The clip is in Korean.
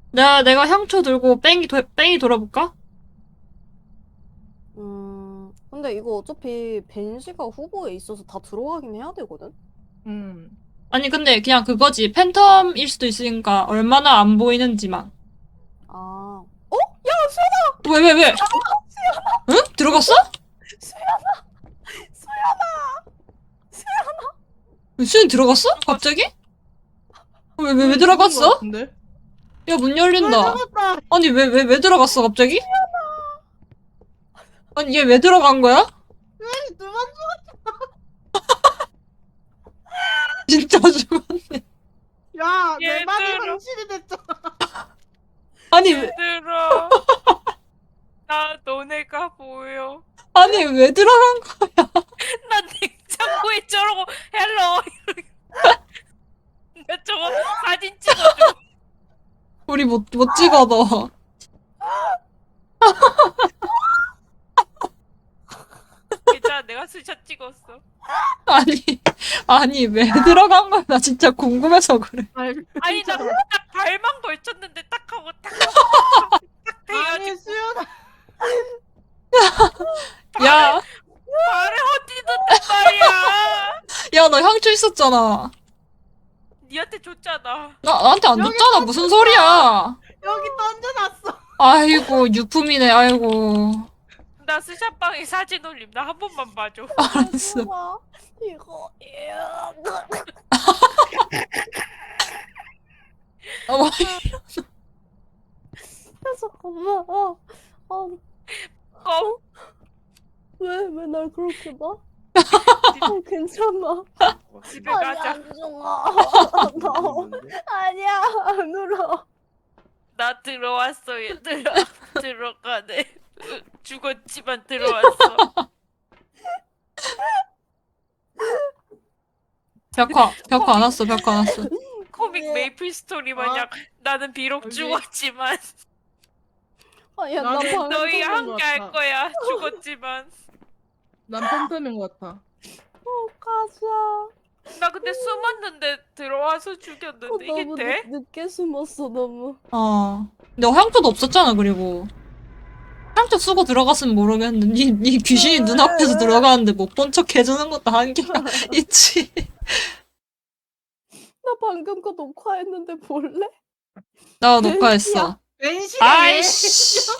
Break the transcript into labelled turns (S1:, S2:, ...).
S1: 내가 향초 들고 뺑이 돌아볼까?
S2: 근데 이거 어차피 벤시가 후보에 있어서 다 들어가긴 해야 되거든?
S1: 아니, 근데 그냥 그거지. 팬텀일 수도 있으니까 얼마나 안 보이는지만.
S2: 아,
S1: 왜? 응? 들어갔어? 수연 들어갔어? 갑자기? 왜 들어갔어?
S3: 근데?
S1: 야, 문 열린다.
S3: 들어갔다.
S1: 아니, 왜 들어갔어, 갑자기? 아니, 얘 왜 들어간 거야?
S3: 두번
S1: 진짜 죽어.
S3: 야, 내 말이
S4: 얘들아.
S3: 현실이 됐잖아.
S1: 아니,
S4: 얘들아, 나 너네가 보여.
S1: 아니, 왜 들어간 거야?
S4: 난 냉장고에 저러고 헬로 나 저거 사진 찍어줘.
S1: 우리 못 찍어, 너.
S4: 괜찮아, 내가 스샷 찍었어.
S1: 아니, 왜 들어간 거야? 나 진짜 궁금해서 그래.
S4: 아니 나 딱 발만 걸쳤는데 딱 하고 딱 하고 딱
S3: 아니,
S4: 돼가지고
S3: 수연아.
S1: 야,
S4: 발에 헛디딘단 말이야.
S1: 야, 너 향초 있었잖아.
S4: 니한테 줬잖아.
S1: 나한테 안 줬잖아. 무슨 소리야.
S3: 여기 던져놨어.
S1: 아이고, 유품이네, 아이고.
S4: 나 스샷방에 사진 올림. 나 한 번만 봐줘.
S1: 알았어.
S2: 이거,
S1: 어,
S2: 잠깐만.
S4: 껌.
S2: 왜 날 그렇게 봐? 괜찮아.
S4: 집에 가자.
S2: 안 좋아. 아니야, 안 울어.
S4: 나 들어왔어 얘들아. 들어가네. 죽었지만 들어왔어.
S1: 벽화 안 왔어, 벽화 안 왔어.
S4: 코믹 메이플 스토리 마냥 나는 비록
S3: 여기.
S4: 죽었지만
S2: 아니야,
S3: 나는
S2: 나 방금
S4: 너희
S3: 것
S4: 함께 할
S3: 같아.
S4: 거야. 죽었지만.
S3: 난 팬텀인 것 같아.
S2: 가자.
S4: 나 근데 숨었는데 들어와서 죽였는데 이게
S2: 너무
S4: 돼?
S2: 늦게 숨었어, 너무.
S1: 근데 향초도 없었잖아, 그리고. 향초 쓰고 들어갔으면 모르겠는데, 니 귀신이 눈앞에서 들어가는데 못 본 척 해주는 것도 한계가 있지.
S2: 나 방금 거 녹화했는데 볼래?
S1: 나 녹화했어.
S3: 벤시가
S1: 아이씨.